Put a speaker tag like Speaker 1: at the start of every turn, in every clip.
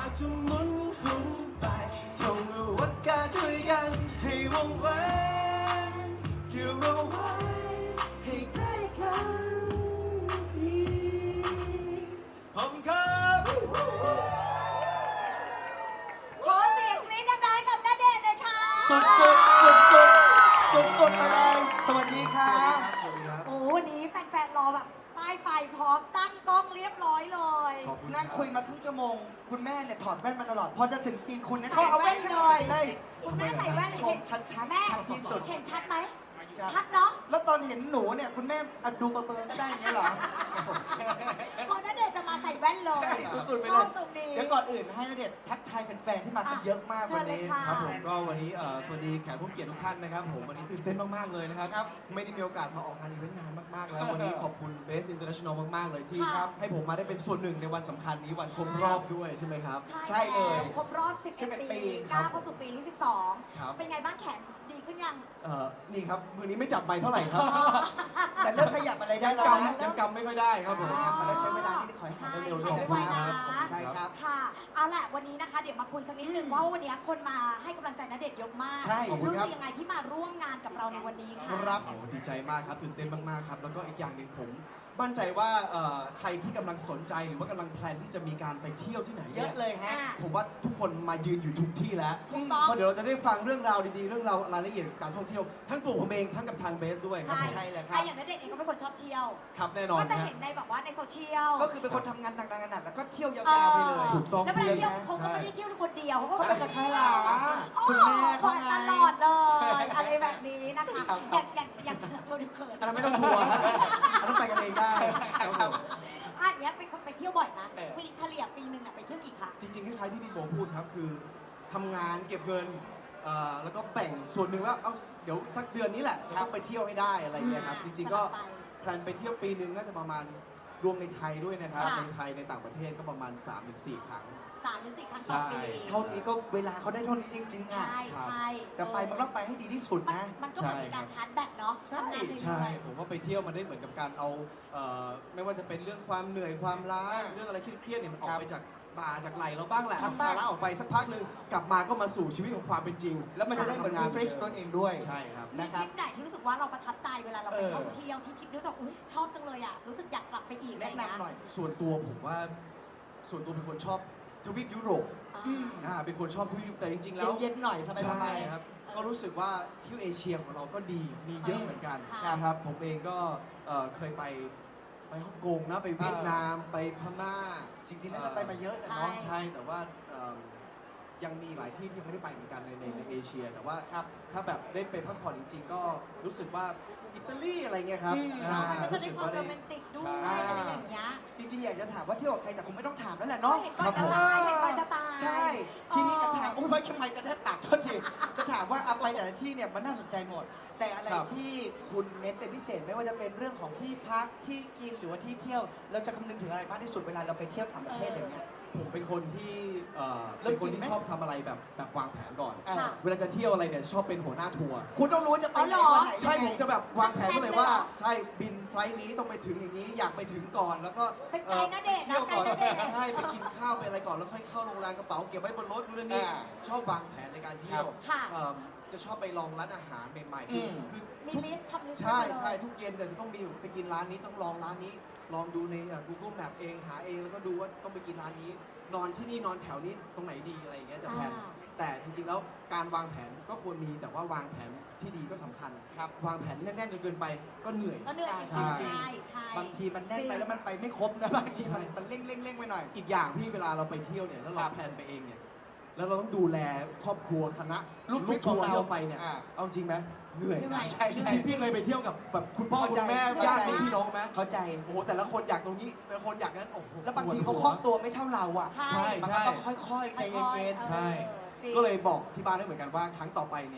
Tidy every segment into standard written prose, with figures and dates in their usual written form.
Speaker 1: จะหมุนหุนไปจงรู้ว่าการด้วยกันให้วงไว้เกี่ยวเราไว้ให้ใกล้กันดีขอบคุณครับ
Speaker 2: ขอเสียงกรี๊ดดังๆกับณเดชน์หน่อยค่ะ
Speaker 1: สุดไปเลยสวัสดีครับ สวัสดีครับ
Speaker 2: โอ้วันนี้แฟนๆรอแบบป้ายไฟพร้อมตั้งกล้องเรียบร้อยเลย
Speaker 1: ขอบคุณ
Speaker 3: นั่งคุยมาครึ่งชั่วโมง คุณแม่เนี่ยถอดแว่นมาตลอด พอจะถึงซีนคุณเนี่ยเขาเอาแว่นขึ้นมาเลย
Speaker 2: คุณแม่ใส่แว่น
Speaker 3: ชมชัดๆ
Speaker 2: แม่
Speaker 3: ชัดที่สุด
Speaker 2: เห็นชัดไหม
Speaker 3: ครับ
Speaker 2: ชัดเนาะ
Speaker 3: แล้วตอนเห็นหนูเนี่ย คุณแม่ดูเบลอๆก็ได้อย่างเงี้ยเหรอ
Speaker 2: พอณเดชน์จะมาใส่แว่นเลย
Speaker 3: สุดๆไป
Speaker 2: ช
Speaker 3: เล
Speaker 2: อบ
Speaker 3: ย
Speaker 2: ตรงนี้
Speaker 3: เดี๋ยวก่อนอื่นให้ณเดชน์ทักทายแฟนๆที่มากันเยอะมาก
Speaker 2: เชิ
Speaker 3: วั
Speaker 2: ญ
Speaker 3: น
Speaker 2: เลย
Speaker 3: นี้
Speaker 2: ค่ะ
Speaker 1: ครับผมก็วันนี้สวัสดีแขกผู้เกียรติทุกท่านนะครับผมวันนี้ตื่นเต้นมากๆเลยนะครับ
Speaker 3: ครับ
Speaker 1: ไม่ได้มีโอกาสมาออกงานอีเวนต์นานมากๆแล้ววันนี้ขอบคุณ Best International มากๆเลยที่
Speaker 2: ค่ะ
Speaker 1: ให้ผมมาได้เป็นส่วนหนึ่งในวันสำคัญนี้วันครบรอบด้วยใช่ไหมครับ
Speaker 3: ใช่เลย
Speaker 2: แล้วครบรอบ 11 ปี
Speaker 1: ครั
Speaker 2: ก้า
Speaker 1: บ
Speaker 2: วเข้าสู่ปีที่
Speaker 1: ครับ
Speaker 2: 12 เป็นไงบ้างแขนดีขึ้นยัง
Speaker 1: นี่ครับมือนี้ไม่จับไมค์เท่าไหร่ครับ
Speaker 3: แต่เริ่มขยับอะไรได้
Speaker 1: ยัง
Speaker 3: แล้ว
Speaker 1: ก
Speaker 3: นะ
Speaker 1: ำยังกำไม่ค่อยได้ครับผม
Speaker 3: มาแล้วใช้เวลาที่ขอให้
Speaker 2: ใช่
Speaker 3: ทำได้เร็ว
Speaker 2: ขอบ
Speaker 3: ๆ
Speaker 2: คุณนะ
Speaker 3: ใช่ครับ
Speaker 2: ค่ะ เอาล่ะวันนี้นะคะ เดี๋ยวมาคุยสักนิดนึงว่าวันนี้คนมาให้กำลังใจณเดชน์เยอะมาก
Speaker 3: ใช่
Speaker 1: ขอบคุณ
Speaker 2: รู้
Speaker 1: ครั
Speaker 2: สึ
Speaker 1: บ
Speaker 2: กยังไงที่มาร่วมงานกับเราในวันนี้ค่ะ
Speaker 1: ครับโอ้ดีใจมากครับตื่นเต้นมากๆครับแล้วก็อีกอย่างหนึ่งผมมั่นใจว่าใครที่กำลังสนใจหรือว่ากำลังแพลนที่จะมีการไปเที่ยวที่ไหน
Speaker 3: เย
Speaker 1: นี่
Speaker 3: อะเลยฮะ
Speaker 1: ผมว่าทุกคนมายืนอยู่ทุกที่แล้ว
Speaker 2: ถูกต้อง
Speaker 1: เพราะเดี๋ยวเราจะได้ฟังเรื่องราวดีๆเรื่องราวรายละเอียดการท่องเที่ยวทั้งตัวผมเองทั้งกับทางเบสด้วยครับ
Speaker 2: ใช่
Speaker 3: ใช่เลยครับ
Speaker 2: ไอ้อย่างณเดชน์เองก็เป็นคนชอบเที่ยว
Speaker 1: ครับแน่นอน
Speaker 2: ก็จะ
Speaker 1: ฮะ
Speaker 2: เห็นในแบบว่าในโซเชียล
Speaker 3: ก็คือเป็นคนทำงานหนักๆแล้วก็เที่ยวยาวๆไปเลย
Speaker 1: ถูกต้อง
Speaker 2: แล้วเวลาเที่ยว
Speaker 1: ใช่
Speaker 2: เขาก็ไม่ได้เที่ยวคนเดียวเขาก็
Speaker 3: เขาก็จะคลา
Speaker 2: โอ้
Speaker 3: คุณ
Speaker 2: โห
Speaker 3: แม่
Speaker 2: หวาน
Speaker 3: เขา
Speaker 2: ต
Speaker 3: ไง
Speaker 2: ลอดเลย อะไรแบบนี้นะคะ อย่างเราดูเขิน
Speaker 1: อันนั้นไม่ต้องทัวร์ฮะอันนั้นไปกันเองได้ครับผม
Speaker 2: อันเนี้ยเป็นคนไปเที่ยวบ่อยนะ
Speaker 3: เออ
Speaker 2: ปีเฉลี่ยปีหนึ่งน่ะไปเที่ยวกี่ครั้ง
Speaker 1: จริงๆคล้ายๆที่พี่โบพูดครับคือทำงานเก็บเงินแล้วก็แบ่งส่วนหนึ่งว่าเอาเดี๋ยวสักเดือนนี้แหละจะต้องไปเที่ยวให้ได้อะไรอย่างเงี้ยครับจริงๆก็
Speaker 2: สลับไป
Speaker 1: แพลนไปเที่ยวปีหนึ่งน่าจะประมาณรวมในไทยด้วยนะครับ
Speaker 2: ค่ะ
Speaker 1: ในไทยในต่างประเทศก็ประมาณ 3-4 ครั้ง
Speaker 2: 3 หรือ 4 ครั้งต่อปี
Speaker 1: ใช่
Speaker 3: เท่านี้ก็เวลาเขาได้เท่านี้จริงๆอ่ะ
Speaker 2: ใช่ใช่
Speaker 3: แต่ไปมันต้องไปให้ดีที่สุดนะ
Speaker 2: มันก็เหมือนเป็นการชาร์จแบตเนาะ
Speaker 3: ใช่
Speaker 2: ทำงานเหนื่
Speaker 1: ใช่
Speaker 2: อย
Speaker 1: ผมว่าไปเที่ยวมันได้เหมือนกับการเอาไม่ว่าจะเป็นเรื่องความเหนื่อยความล้าเรื่องอะไรเครียดๆเนี่ยมันออกไปจากบ่าจากไหลเราบ้างแหละ
Speaker 3: ครับ
Speaker 1: พาล้าออกไปสักพักหนึ่งกลับมาก็มาสู่ชีวิตของความเป็นจริง
Speaker 3: แล้วมันจะได้เหมือน refresh ตัวเองด้วย
Speaker 1: ใช่ครับ
Speaker 2: ๆมีทริปไหนที่รู้สึกว่าเราประทับใจเวลาเราไปท่องเที่ยวที่ทริปรู้สึกอุ๊ยชอบจังเลยอ่ะรู้สึกอยากกลับไปอีก
Speaker 3: แนะนำหน่อย
Speaker 1: ส่วนตัวผมว่าส่วนตัวเป็นคนชอบทวีปยุโรป เป็นคนชอบทวีปแต่จริงๆแล้ว
Speaker 3: เย็นๆหน่อยสบาย
Speaker 1: ใช่ครับก็รู้สึกว่าเที่ยวเอเชียของเราก็ดีมีเยอะเหมือนกัน
Speaker 2: ค่ะ
Speaker 1: นะครับผมเองก็เคยไปฮ่องกงนะไปเวียดนามไปพม่า
Speaker 3: ๆจริงๆน่าจะไปมาเยอะแต่
Speaker 2: ใช่
Speaker 3: เนาะ
Speaker 1: ใช่แต่ว่ายังมีหลายที่ที่ยังไม่ได้ไปเหมือนกันในเอเชีย แต่ว่าถ้าแบบได้ไปพักผ่อนจริง ๆ ก็รู้สึกว่าอิตาลีอะไรเงี้ยครับ
Speaker 2: มันก็จะได้ความโรแมนติกด้วย
Speaker 1: ใช่
Speaker 2: อะไรอย่างเงี้ย
Speaker 3: จริงๆอยากจะถามว่าเที่ยวกับใครแต่คงไม่ต้องถามแล้วแหละ
Speaker 2: เนาะ
Speaker 3: เนาะ
Speaker 2: เห็นก่อนจะตายเห็นก่อนจะตาย
Speaker 3: ใช่ ทีนี้จะถามโอ้ยไม่ทำไมกระแทกปากโทษทีจะถามว่าเอาไปแต่ละที่เนี่ยมันน่าสนใจหมด แต่อะไร
Speaker 1: ครับ
Speaker 3: ที่คุณเน้นเป็นพิเศษไม่ว่าจะเป็นเรื่องของที่พักที่กินหรือว่าที่เที่ยว เราจะคำนึงถึงอะไรมากที่สุดเวลาเราไปเที่ยวต่างประเทศอย่างเงี้ย
Speaker 1: ผมเป็นคนที่
Speaker 3: เริ่ม
Speaker 1: เป็นคน
Speaker 3: กินไหม
Speaker 1: ที่ชอบทำอะไรแบบวางแผนก่อน
Speaker 3: อ่า
Speaker 2: ค่ะ
Speaker 1: เวลาจะเที่ยวอะไรเนี่ยชอบเป็นหัวหน้าทัวร์
Speaker 3: คุณต้องรู้จะไปไหน
Speaker 2: อ๋อเหรอ
Speaker 3: วันไหน
Speaker 1: ใช่
Speaker 3: ยัง
Speaker 1: ผ
Speaker 3: ไง
Speaker 1: มจะแบบวางแผนไว้เลยว่า
Speaker 2: แผนเลยเหรอ
Speaker 1: ใช่บินไฟล์นี้ต้องไปถึงอย่างนี้อยากไปถึงก่อนแล้วก็
Speaker 2: เป็นไกด์ณเดชน์นะ
Speaker 1: เที่ยวก่อน
Speaker 2: ไกด์ณเดชน์
Speaker 1: ใช่ไปกินข้าวไปอะไรก่อนแล้วค่อยเข้าโรงแรมกระเป๋าเก็บไว้บนรถนู่นนี่
Speaker 3: อ่า
Speaker 1: ชอบวางแผนในการเที่ยว
Speaker 2: ค่ะ
Speaker 1: จะชอบไปลองร้านอาหารใหม่ๆ
Speaker 3: อืม
Speaker 1: คือ
Speaker 2: มี
Speaker 1: ทุก
Speaker 2: ลิสต์ทำลิสต์
Speaker 1: ใช่
Speaker 2: ไว้เลย
Speaker 1: ใช่ทุกเย็นแต่จะต้องมีไปกินร้านนี้ต้องลองร้านนี้ ลองดูในGoogle Map เองหาเองแล้วก็ดูว่าต้องไปกินร้านนี้ นอนที่นี่นอนแถวนี้ตรงไหนดีอะไรอย่างเงี้ยจะแพลน แต่จริงๆแล้วการวางแผนก็ควรมีแต่ว่าวางแผนที่ดีก็สำคัญ
Speaker 3: ครับ
Speaker 1: วางแผนแน่นๆจนเกินไปก็เหนื่อย
Speaker 2: ก็เหนื่อยจ
Speaker 1: ใช่
Speaker 2: ริงๆใช่ใช่
Speaker 3: บางทีมันแน่นไปแล้วมันไปไม่ครบนะบางทีมันเร่งไปหน่อย
Speaker 1: อีกอย่างพี่เวลาเราไปเที่ยวเนี่ยแล้วเรา
Speaker 3: ครับ
Speaker 1: แพลนไปเองเนี่ยแล้วเราต้องดูแลครอบครัวคณะ
Speaker 3: ลูกทริป
Speaker 1: ทัวร์
Speaker 3: ของเรา
Speaker 1: ที่เราไปเนี่ย
Speaker 3: อ่า
Speaker 1: เอาจริงไหมเหนื่อย
Speaker 2: เหนื่อย
Speaker 3: ใช่ใช่
Speaker 1: พี่เคยไปเที่ยวกับแบบคุณพ่อ
Speaker 3: เข้า
Speaker 1: คุ
Speaker 3: ใจ
Speaker 1: ณแม่
Speaker 3: เข้าใจ
Speaker 1: ญาติพี่น้องไหม
Speaker 3: เข้าใจ
Speaker 1: โอ้โหแต่ละคนอยากตรงนี้แต่ละคนอยากนั้นโอ้โห
Speaker 3: แล้วบางที
Speaker 1: ป
Speaker 3: เขา
Speaker 1: ด
Speaker 3: ค
Speaker 1: หั
Speaker 3: ล่องตัวไม่เท่าเราอ่ะ
Speaker 2: ใช่
Speaker 1: ใช่
Speaker 3: มันก็ต้องค่อยๆใจเย็น
Speaker 1: ใช่
Speaker 2: จริง
Speaker 1: ก็เลยบอกที่บ้านได้เหมือนกันว่าครั้งต่อไปเนี่ย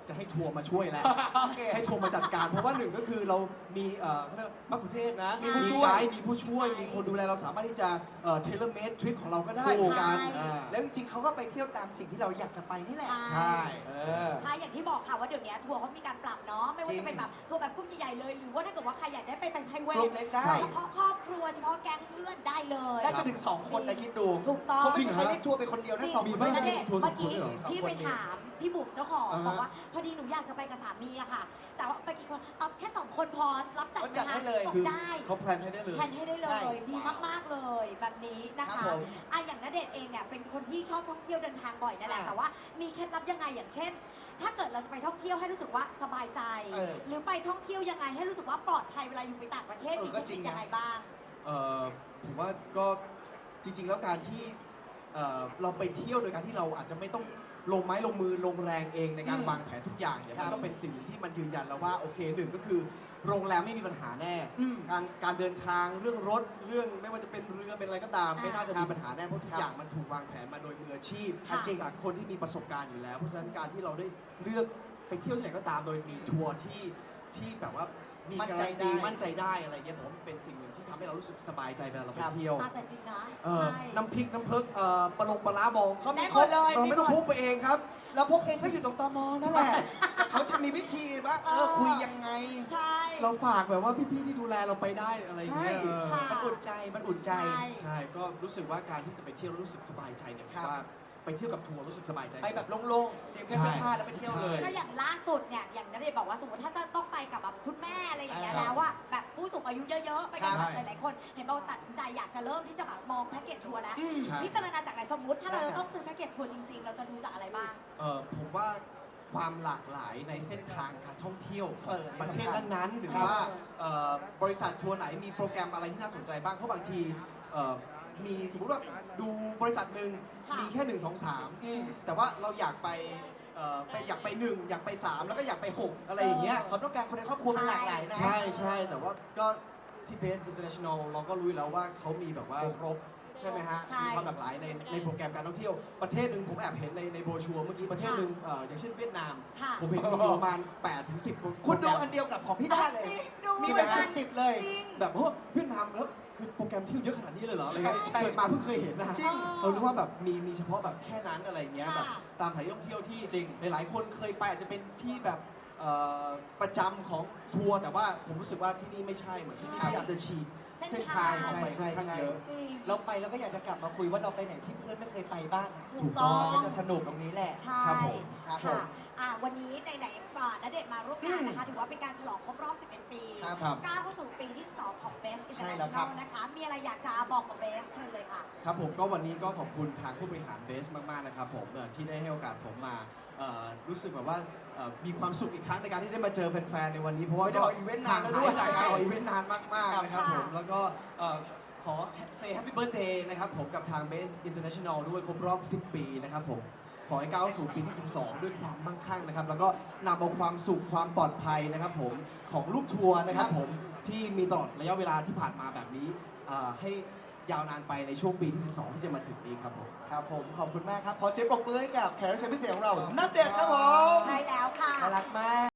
Speaker 1: จะให้ทัวร์มาช่วยแล้ว
Speaker 3: โอเค
Speaker 1: ให้ทัวร์มาจัดการ เพราะว่าหนึ่งก็คือเรามีเขาเรียกมัคคุเทศก์นะ
Speaker 2: ใช่
Speaker 1: มีผู้ช่วยมีผู้ช่วย มีคนดูแลเราสามารถที่จะเทเลเมดทริปของเราก็ได้เหมือนกัน
Speaker 2: ใช่
Speaker 3: แล้วจริงๆเขาก็ไปเที่ยวตามสิ่งที่เราอยากจะไปนี่แหละ
Speaker 1: ใช่
Speaker 3: เออ
Speaker 2: ใช่อย่างที่บอกค่ะว่าเดี๋ยวนี้ทัวร์เขามีการปรับเนาะไม่ว่า
Speaker 3: จริ
Speaker 2: จะ
Speaker 3: ง
Speaker 2: เป็นแบบทัวร์แบบกลุ่มใหญ่ๆเลย หรือว่าถ้าเกิดว่าใครอยากได้ไปเป็นไพรเว
Speaker 3: กลุ่
Speaker 2: ท
Speaker 3: มเล็กได้
Speaker 2: เฉพาะครอบครัวเฉพาะแก๊งเพื่อนได้เลย
Speaker 3: ได้จนถึง2 คนนะคิดดู
Speaker 2: ถูกต้อง
Speaker 3: เขาไม่มีใครเรียกทัวร์ไปคนเดียวนะสอง
Speaker 1: มี
Speaker 3: คน
Speaker 1: บ้าง
Speaker 2: ณ
Speaker 3: นะ
Speaker 2: เดชน์
Speaker 1: ทัวร์
Speaker 2: เมื่อกี้
Speaker 1: สองคนเหรอ
Speaker 2: พี่ไปถามพี่บุ๋มเจ้าของ
Speaker 1: อ่าฮะ
Speaker 2: บอกว่าพอดีหนูอยากจะไปกับสามีอะค่ะ แต่ว่าไปกี่คนเอาแค่2 คนพอรับจัด
Speaker 3: เขาจัด
Speaker 2: ไหม
Speaker 3: ให้
Speaker 2: คะ
Speaker 3: เลย
Speaker 2: บอก
Speaker 1: คือ
Speaker 2: ได้
Speaker 1: เขาแพลนให้ได้เลย
Speaker 2: แทนให้ได้เล
Speaker 3: ใช่
Speaker 2: ยดีมากๆเลยแบบนี้นะ
Speaker 3: ครั
Speaker 2: คะ
Speaker 3: บผม
Speaker 2: อ่ะอย่างณเดชน์เองเนี่ยเป็นคนที่ชอบท่องเที่ยวเดินทางบ่อยนั่นแหละ
Speaker 3: อ่า
Speaker 2: แต่ว่ามีเคล็ดลับยังไงอย่างเช่น ถ้าเกิดเราจะไปท่องเที่ยวให้รู้สึกว่าสบายใจ
Speaker 3: เออ
Speaker 2: หรือไปท่องเที่ยวยังไงให้รู้สึกว่าปลอดภัยเวลาอยู่ไปต่างประเทศ
Speaker 3: เออ
Speaker 2: มี
Speaker 3: ก็
Speaker 2: เทค
Speaker 3: จริ
Speaker 2: นิ
Speaker 3: ง
Speaker 2: ค
Speaker 3: นะ
Speaker 2: ยังไงบ้าง
Speaker 1: ผมว่าก็จริงๆ แล้วการที่เราไปเที่ยวโดยการที่เราอาจจะไม่ต้องลงไม้ลงมือลงแรงเองในการ
Speaker 3: อืม
Speaker 1: วางแผนทุกอย่างเนี่ย
Speaker 3: ครั
Speaker 1: มั
Speaker 3: บ
Speaker 1: นก็เป็นสิ่งที่มันยืนยันแล้วว่าโอเคหนึ่งก็คือโรงแรมไม่มีปัญหาแน่
Speaker 3: อืม
Speaker 1: การเดินทางเรื่องรถเรื่องไม่ว่าจะเป็นเรือเป็นอะไรก็ตาม
Speaker 2: อ่า
Speaker 1: ไม่น่าจะมีปัญหาแน่เพราะทุก
Speaker 3: ครับ
Speaker 1: อย่างมันถูกวางแผนมาโดยมืออาชีพ
Speaker 2: ค่ะ
Speaker 1: จากคนที่มีประสบการณ์อยู่แล้วเพราะฉะนั้นการที่เราได้เลือกไปเที่ยวที่ไหนก็ตามโดยมีทัวร์ที่แบบว่ามี
Speaker 3: มั่น
Speaker 1: การ
Speaker 3: ใจ
Speaker 1: ัน
Speaker 3: ได้
Speaker 1: ตีมั่นใจได้อะไรเงี้ยผมว่าเป็นสิ่งหนึ่งที่ทำให้เรารู้สึกสบายใจเวลาเราไป
Speaker 3: ครับ
Speaker 1: เที่ยว
Speaker 2: อ่ะแต่จริงนะ
Speaker 1: เออ
Speaker 2: ใช่
Speaker 1: น้ำพริกน้ำเพิกปลาลงปลาร้าบองเขา
Speaker 2: ได้
Speaker 1: มี
Speaker 2: หมดเลย
Speaker 1: เราไม่ต้อง
Speaker 2: มีหมด
Speaker 1: พกไปเองครับ
Speaker 3: แล้วพวกเองก็อยู่ตรงตมนั่นแหละเขาจะมีวิธีว่าคุยยังไง
Speaker 2: ใช่
Speaker 1: เราฝากแบบว่าพี่ๆที่ดูแลเราไปได้อะไรอย่าง
Speaker 3: ใช่
Speaker 1: เงี้ยเออ
Speaker 2: ค่ะ
Speaker 3: มันอุ่นใจมันอุ่นใจ
Speaker 2: ใช่
Speaker 1: ใช่ก็รู้สึกว่าการที่จะไปเที่ยวแล้วรู้สึกสบายใจเนี่ย
Speaker 3: ครับ
Speaker 1: ว่าไปเที่ยวกับทัวร์รู้สึกสบายใจ
Speaker 3: ไปแบบโล่งๆเตรียมแค่เสื้อผ้าแล้วไปเที่ยวเลย
Speaker 2: ก็อย่างล่าสุดเนี่ยอย่างณเดชน์บอกว่าสมมติถ้าจะต้องไปกับแบบคุณแม่อะไรอย่างเงี้ย
Speaker 3: อ่า
Speaker 2: แล้วว่าแบบผู้สูงอายุเยอะๆ ไปกัน
Speaker 3: ค
Speaker 2: แบ
Speaker 3: รับบ
Speaker 2: หลายๆคน เห็นบอกว่าตัดสินใจอยากจะเริ่มที่จะแบบมองแพ็กเกจทัวร์แล้ว
Speaker 3: อืม
Speaker 1: ใช่
Speaker 2: พิจารณาจากไหนสมมติถ้าเรา
Speaker 3: ได้ครับ
Speaker 2: ต้องซื้อแพ็กเกจทัวร์จริงๆ เราจะดูจากอะไรบ้าง
Speaker 1: ผมว่าความหลากหลายในเส้นทางการท่องเที่ยวข
Speaker 3: เอ
Speaker 1: อง
Speaker 3: อ
Speaker 1: ประเทศนั้นๆหรือ
Speaker 3: ครับ
Speaker 1: ว่าบริษัททัวร์ไหนมีโปรแกรมอะไรที่น่าสนใจบ้างเพราะบางทีมีสมมติว่าดูบริษัทหนึ่ง
Speaker 2: ค่ะ
Speaker 1: มีแค่1 2
Speaker 3: อืม
Speaker 1: 3 แต่ว่าเราอยากไปอยากไป 1 อยากไป 3 แล้วก็อยากไป 6 อะไรอย่างเงี้ย
Speaker 3: ความต้องการคนในครอบครัวมันหลากหลายนะ
Speaker 1: ใช่ใช่แต่ว่าก็ที่ Base International เราก็รู้อยู่แล้วว่าเขามีแบบว่า
Speaker 3: ครบ
Speaker 1: ใช่ไหมฮะ
Speaker 2: ใช่
Speaker 1: มีความหลากหลายในโปรแกรมการท่องเที่ยว ประเทศหนึ่งผมแอบเห็นในโบรชัวร์เมื่อกี้ประเทศหนึ่งอย่างเช่นเวียดนาม
Speaker 2: ค่ะ
Speaker 1: ผมเห็นมีประมาณ8 ถึง 10
Speaker 3: คุณดูอันเดียวกับของพี่ด้าเล
Speaker 2: จริ
Speaker 3: ย
Speaker 2: งดู
Speaker 3: มีแบบ
Speaker 2: เหมือนกัน
Speaker 3: สิบเลย
Speaker 2: จริง
Speaker 1: แบบเพราะว่าเวียดนามแล้วคือโปรแกรมเที่ยวเยอะขนาดนี้เลยเหรออะไรเงี้ย
Speaker 3: ใช่
Speaker 1: เกิดมาเพิ่งเคยเห็นนะฮะ
Speaker 3: จริง
Speaker 1: เรารู้ว่าแบบมีเฉพาะแบบแค่นั้นอะไรเงี้ย
Speaker 2: ค่ะ
Speaker 1: แบบตามสถานที่ท่องเที่ยวที่
Speaker 3: จริง
Speaker 1: หลายๆคนเคยไปอาจจะเป็นที่แบบประจำของทัวร์แต่ว่าผมรู้สึกว่าที่นี่ไม่ใช่เหมือนที่นี่พยายามจะฉีก
Speaker 2: เส้
Speaker 1: เส้
Speaker 2: น
Speaker 1: น
Speaker 2: ทา
Speaker 1: ทาง งเข้าไปค่อนข้างเยอะ
Speaker 2: จริง
Speaker 3: เราไปแล้วก็อยากจะกลับมาคุยว่าเราไปไหนที่เพื่อนไม่เคยไปบ้างอะ
Speaker 2: ถูกต้อง
Speaker 3: มันจะสนุกตรงนี้แหละ
Speaker 2: ใช่
Speaker 1: ครับผม
Speaker 3: ครับผ
Speaker 2: ค่ะ
Speaker 3: ม
Speaker 2: วันนี้ไหนๆณเดชน์มาร่วมงานนะคะ ถือว่าเป็นการฉลองครบรอบ 11 ปี
Speaker 3: ครับ
Speaker 2: ก้าวเข้าสู่ปีที่ 2 ของ Best
Speaker 3: ใช่แล้วครั
Speaker 2: International
Speaker 3: บ
Speaker 2: นะคะ มีอะไรอยากจะบอกกับ Best เชิญเลยค่ะ
Speaker 1: ครับผมก็วันนี้ก็ขอบคุณทางผู้บริหารเบสมากๆนะครับผมที่ได้ให้โอกาสผมมารู้สึกแบบว่ามีความสุขอีกครั้งในการที่ได้มาเจอแฟนๆในวันนี้เพราะว่า
Speaker 3: ไม่ได้ออกอีเวนต์นานแล้วด้วย
Speaker 1: ห่งหจากการออกอีเวนต์นานมากๆนะครับ
Speaker 2: ค่ะ
Speaker 1: ผมแล้วก็ขอ say happy birthday นะครับผมกับทาง Base International ด้วยครบรอบ 10 ปีนะครับผมขอให้ก้าวสู่ปีที่ 12 ด้วยความมั่งคั่งนะครับแล้วก็นำเอาความสุขความปลอดภัยนะครับผมของลูกทัวร์นะครับผมที่มีตลอดระยะเวลาที่ผ่านมาแบบนี้ให้ยาวนานไปในช่วงปีที่ 12 ที่จะมาถึงนี้ครับผม
Speaker 3: ครับผมขอบคุณมากครับ ขอเสียงปรบมือให้กับแขกรับเชิญพิเศษของเราณเดชน์ครับผม
Speaker 2: ใช่แล้วค่ะ
Speaker 3: น่ารักมาก